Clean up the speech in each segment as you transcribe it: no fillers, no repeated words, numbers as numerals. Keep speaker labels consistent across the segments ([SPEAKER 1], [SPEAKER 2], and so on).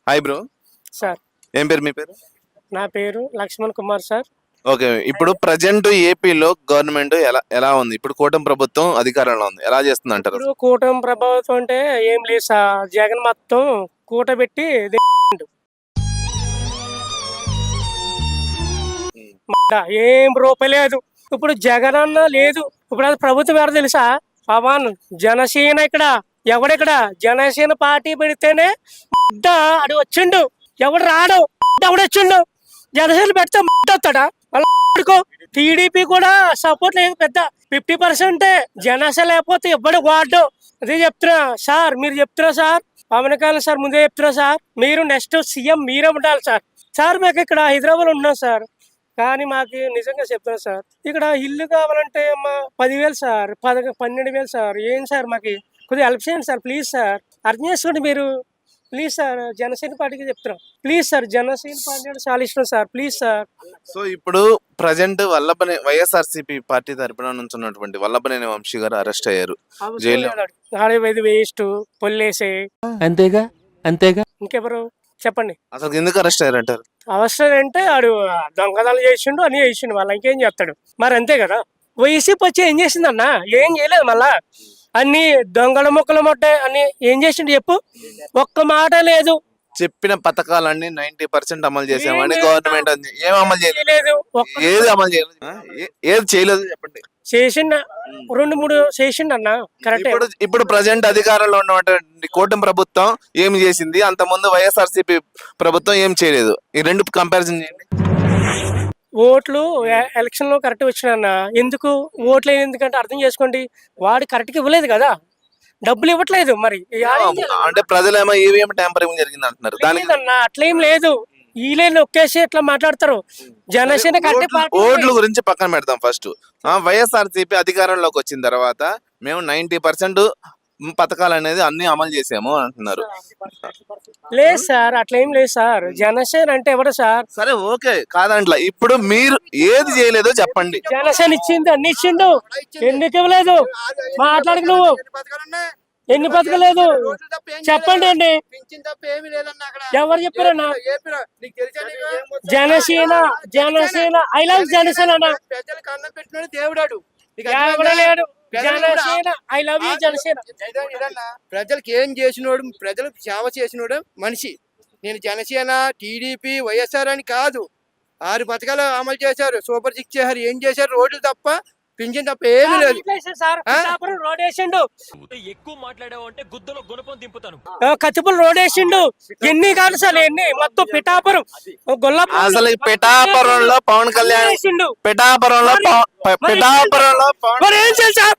[SPEAKER 1] Hi bro.
[SPEAKER 2] Sir
[SPEAKER 1] ఏం పేరు మీ పేరు?
[SPEAKER 2] నా పేరు లక్ష్మణ్ కుమార్ సార్.
[SPEAKER 1] ఓకే, ఇప్పుడు ప్రజెంట్ ఏపీలో గవర్నమెంట్ ఎలా ఎలా ఉంది? ఇప్పుడు కూటమి ప్రభుత్వం అధికారంలో ఉంది, ఎలా చేస్తుంది అంటారు?
[SPEAKER 2] ఇప్పుడు కూటమి ప్రభావితం అంటే ఏం లేదు సార్. జగన్ మొత్తం కూటబెట్టి ఏం రూపాయి లేదు. ఇప్పుడు జగన్ అన్న లేదు. ఇప్పుడు అది ప్రభుత్వం ఎవరు తెలుసా? పవన్ జనసేన. ఇక్కడ ఎవడిక్కడ జనసేన పార్టీ పెడితేనే అడు వచ్చిండు. ఎవడు రాడు, ఎవడు వచ్చిండు. జనసేన పెడితే వస్తాడా? టీడీపీ కూడా సపోర్ట్ లేదు. పెద్ద 50% జనసేన లేకపోతే ఇవ్వడు వాడు. అదే చెప్తున్నా సార్. మీరు చెప్తున్నా సార్, పవన్ కళ్యాణ్ సార్ ముందే చెప్తున్నా సార్, మీరు నెక్స్ట్ సీఎం మీరే ఉండాలి సార్. సార్ మేము ఇక్కడ హైదరాబాద్ ఉంటున్నాం సార్, కానీ మాకు నిజంగా చెప్తున్నా సార్, ఇక్కడ ఇల్లు కావాలంటే మా 10,000 సార్, 12,000 సార్. ఏం సార్ మాకు కొద్దిగా హెల్ప్ చేయండి సార్, ప్లీజ్ సార్. అర్థం చేసుకోండి మీరు, ప్లీజ్ సార్. జనసేన పార్టీకి చెప్తున్నాం, ప్లీజ్ సార్. జనసేన పార్టీ అంటే చాలా ఇష్టం సార్, ప్లీజ్ సార్.
[SPEAKER 1] సో ఇప్పుడు ప్రజెంట్ వల్లభనే వైఎస్ఆర్సీపీ పార్టీ తరపున నుంచి ఉన్నటువంటి వల్లభనేని వంశీ గారు అరెస్ట్ అయ్యారు జైల్లో.
[SPEAKER 2] వేస్ట్ పొల్లేసే
[SPEAKER 3] అంతేగా అంతేగా.
[SPEAKER 2] ఇంకెవరు చెప్పండి?
[SPEAKER 1] అసలు ఎందుకు అరెస్ట్ అయ్యారు అంటారు?
[SPEAKER 2] అవసరం అంటే ఆడు దొంగతనాలు చేసిండు, అని చేసిండు. వాళ్ళ ఇంకేం చేస్తాడు మరి, అంతే కదా. వైసీపీ వచ్చి ఏం చేసిందన్న? ఏం చేయలేదు. మళ్ళా అన్ని దొంగల మొక్కలు మొట్టాయి అని ఏం చేసిండు చెప్పు? ఒక్క మాట లేదు.
[SPEAKER 1] చెప్పిన పథకాలన్నీ 90% అమలు చేసామని గవర్నమెంట్ ఏం అమలు చేయలేదు. ఏది అమలు చేయలేదు, ఏది చేయలేదు చెప్పండి.
[SPEAKER 2] చేసిండ 2-3 చేసిండు అన్న, కరెక్ట్.
[SPEAKER 1] ఇప్పుడు ప్రజెంట్ అధికారంలో ఉన్నటువంటి కూటమి ప్రభుత్వం ఏం చేసింది, అంత ముందు వైఎస్ఆర్సీపీ ప్రభుత్వం ఏం చేయలేదు. ఈ రెండు కంపారిజన్ చేయండి.
[SPEAKER 2] ఓట్లు ఎలక్షన్ లో కరెక్ట్ వచ్చిన ఎందుకు ఓట్లు ఎందుకంటే అర్థం చేసుకోండి, వాడు కరెక్ట్ గా ఇవ్వలేదు కదా, డబ్బులు ఇవ్వట్లేదు. మరి
[SPEAKER 1] అంటే ప్రజలేమో ఈవీఎం ట్యాంపరింగ్ జరిగింది అంటున్నారు. దానికి
[SPEAKER 2] అట్లేం లేదు. వీళ్ళే నొక్కేసి ఇట్లా మాట్లాడతారు. జనసేన
[SPEAKER 1] ఓట్ల గురించి పక్కన పెడతాం. ఫస్ట్ వైఎస్ఆర్సీపీ అధికారంలోకి వచ్చిన తర్వాత మేము 90% పథకాలు అనేది అన్ని అమలు చేసాము అంటున్నారు.
[SPEAKER 2] లేదు సార్, అట్లేం లేదు సార్. జనసేన అంటే ఎవరు సార్?
[SPEAKER 1] సరే ఓకే కాదంట్లా. ఇప్పుడు మీరు ఏది చేయలేదో చెప్పండి.
[SPEAKER 2] జనసేన ఇచ్చింది, అన్ని ఇచ్చిండు. ఎందుకు ఇవ్వలేదు? మాట్లాడకు నువ్వు. ఎన్ని పథకాలేదు చెప్పండి అండి. ఎవరు చెప్పారన్నా? జనసేన జనసేన ఐ లవ్ జనసేన అన్న.
[SPEAKER 4] దేవుడాడు
[SPEAKER 2] Janasena I love you Janasena.
[SPEAKER 4] ప్రజలకు ఏం చేసినోడు, ప్రజలకు సేవ చేసినోడు మనిషి. నేను జనసేన, టీడీపీ, వైఎస్ఆర్ అని కాదు. 6 పథకాలు అమలు చేశారు, సూపర్ 6 చేశారు. ఏం చేశారు? రోడ్లు తప్ప, పింఛన్ తప్ప ఏమీ లేదు.
[SPEAKER 2] రోడ్ వేసిండు.
[SPEAKER 3] ఎక్కువ మాట్లాడావు అంటే గుద్దలో గుణపం దింపుతాను.
[SPEAKER 2] కత్తిపూలు రోడ్ వేసిండు. ఎన్ని కాదు సార్, ఎన్ని మొత్తం పిఠాపురం గొల్లపురం.
[SPEAKER 1] అసలు పిఠాపురంలో పవన్ కళ్యాణ్ పిఠాపురంలో
[SPEAKER 2] ఏం చేయాలి సార్?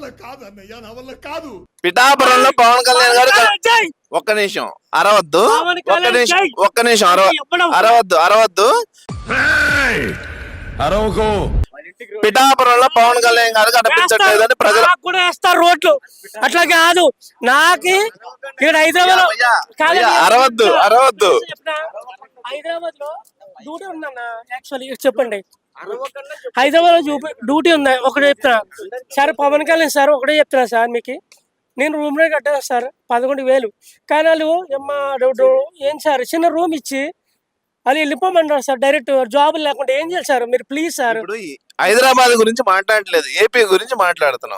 [SPEAKER 1] పిఠాపురంలో పవన్ కళ్యాణ్ గారు ఒక్క నిమిషం అరవద్దు, ఒక్క నిమిషం అరవద్దు. పిఠాపురంలో పవన్ కళ్యాణ్ గారు కనిపించట్లేదని ప్రజలు
[SPEAKER 2] కూడా వేస్తారు రోడ్లు. అట్లా కాదు. నాకు ఇక్కడ హైదరాబాద్
[SPEAKER 1] అరవద్దు.
[SPEAKER 2] హైదరాబాద్ లో డ్యూటీ ఉందన్న. యాక్చువల్లీ చెప్పండి, హైదరాబాద్ లో డ్యూటీ ఉంది. ఒకటే చెప్తున్నా సార్, పవన్ కళ్యాణ్ సార్ ఒకటే చెప్తున్నా సార్, మీకు నేను రూమ్ రేట్ కట్టాను సార్ 11,000. కానీ వాళ్ళు ఏం సార్ చిన్న రూమ్ ఇచ్చి వాళ్ళు వెళ్ళిపోమంటారు సార్. డైరెక్ట్ జాబ్ లేకుండా ఏం చేయాలి సార్ మీరు? Please sir.
[SPEAKER 1] హైదరాబాద్ గురించి మాట్లాడలేదు, ఏపీ గురించి మాట్లాడుతున్నాం.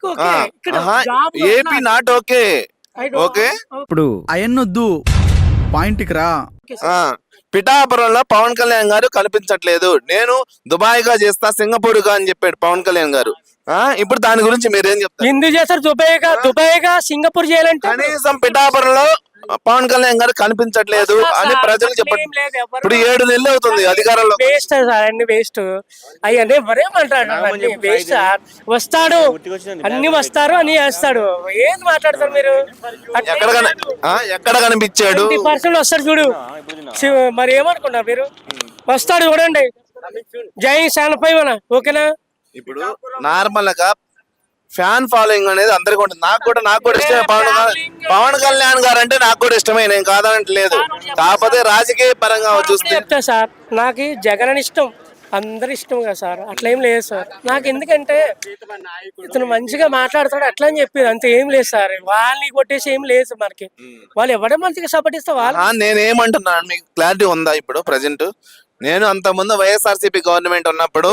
[SPEAKER 1] AP not okay. ఓకే
[SPEAKER 5] ఇప్పుడు అయన్నొద్దు, పాయింట్కి రా.
[SPEAKER 1] పిఠాపురంలో పవన్ కళ్యాణ్ గారు కనిపించట్లేదు. నేను దుబాయ్ గా చేస్తా, సింగపూర్ గా అని చెప్పాడు పవన్ కళ్యాణ్ గారు. ఇప్పుడు దాని గురించి మీరేం చెప్తారు?
[SPEAKER 2] ఎందుకు చేస్తారు? దుబాయ్ గా సింగపూర్ చేయాలంటే
[SPEAKER 1] కనీసం పిఠాపురంలో పవన్ కళ్యాణ్ గారు కనిపించట్లేదు అని ప్రజలు చెప్పండి. ఇప్పుడు 7 నెలలు అవుతుంది అధికారంలో.
[SPEAKER 2] వేస్ట్ సార్, అన్ని వేస్ట్. అయ్యనే మరేమంటాడు? Waste sir. వస్తాడు, అన్ని వస్తారు, అని చేస్తాడు. ఏం మాట్లాడతారు మీరు?
[SPEAKER 1] ఎక్కడ కనిపించాడు?
[SPEAKER 2] 20% వస్తాడు చూడు. మరి ఏమనుకున్నారు మీరు? వస్తాడు చూడండి. జై శానపై మన ఓకేనా?
[SPEAKER 1] ఇప్పుడు నార్మల్ గా ఫ్యాన్ ఫాలోయింగ్ అనేది అందరికి ఉంటుంది. నాకు కూడా ఇష్టమే పవన్ కళ్యాణ్ గారు అంటే. నాకు కూడా ఇష్టమే, నేను కాదనట్లేదు. కాకపోతే రాజకీయ పరంగా చూస్తే
[SPEAKER 2] సార్, నాకు జగన్ అని ఇష్టం. అందరు ఇష్టం కదా సార్, అట్లా ఏం లేదు సార్. నాకు ఎందుకంటే ఇతను మంచిగా మాట్లాడతాడు అట్లా అని చెప్పేది, అంత ఏం లేదు సార్. వాళ్ళని కొట్టేసి ఏం లేదు మనకి, వాళ్ళు ఎవడే మంచిగా సపోర్ట్ ఇస్తే వాళ్ళు.
[SPEAKER 1] నేనేమంటున్నాను మీకు క్లారిటీ ఉందా ఇప్పుడు ప్రజెంట్? నేను అంత ముందు వైఎస్ఆర్సీపీ గవర్నమెంట్ ఉన్నప్పుడు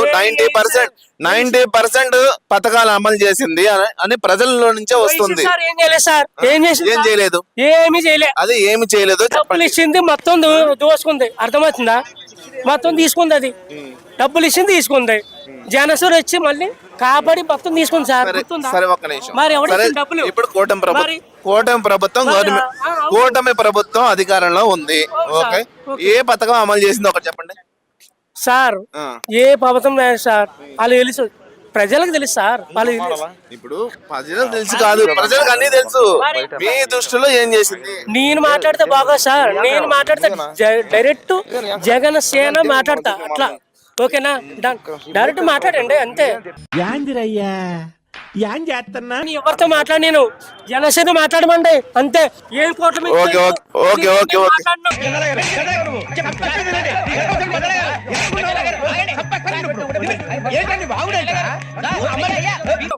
[SPEAKER 1] 90% పథకాలు అమలు చేసింది అని ప్రజల్లో నుంచే వస్తుంది.
[SPEAKER 2] సార్ ఏం చేయలేదు సార్, ఏం చేసింది?
[SPEAKER 1] ఏం చేయలేదు,
[SPEAKER 2] ఏమీ చేయలేదు.
[SPEAKER 1] అది ఏమి చేయలేదు.
[SPEAKER 2] డబ్బులు ఇచ్చింది మొత్తం దోసుకుంది, అర్థమవుతుందా? మొత్తం తీసుకుంది, అది డబ్బులు ఇచ్చింది తీసుకుంది. జనసేన వచ్చి మళ్ళీ కాపాడి మొత్తం తీసుకుంది సార్. గుర్తుందా?
[SPEAKER 1] సరే ఒక్క నిమిషం.
[SPEAKER 2] మరి ఎవరు
[SPEAKER 1] సరే,
[SPEAKER 2] ఇచ్చిన డబ్బులు?
[SPEAKER 1] ఇప్పుడు కూటమి
[SPEAKER 2] మరి?
[SPEAKER 1] ప్రభుత్వం గవర్నమెంట్ కూటమి ప్రభుత్వం అధికారంలో ఉంది. ఓకే, ఏ పథకం అమలు చేసింది ఒకటి చెప్పండి
[SPEAKER 2] సార్.
[SPEAKER 1] ఆ.
[SPEAKER 2] ఏ ప్రభుత్వం లేదు సార్, వాళ్ళు తెలుసు, ప్రజలకు తెలుసు సార్. వాళ్ళు
[SPEAKER 1] ఇప్పుడు ప్రజలకు తెలుసు కాదు, ప్రజలకు అన్ని తెలుసు. మీ దృష్టిలో ఏం చేసింది?
[SPEAKER 2] నేను మాట్లాడితే బాగా సార్, నేను మాట్లాడితే డైరెక్ట్ జగన్ సేన మాట్లాడతా అట్లా. ఓకేనా? డైరెక్ట్ మాట్లాడండి అంతే. నేను ఎవరితో మాట్లాడి, నేను జనసేన మాట్లాడమండి అంతే. ఏం కోట్ల మీద
[SPEAKER 1] ఓకే, ఓకే, ఓకే, ఓకే.
[SPEAKER 2] మాట్లాడినా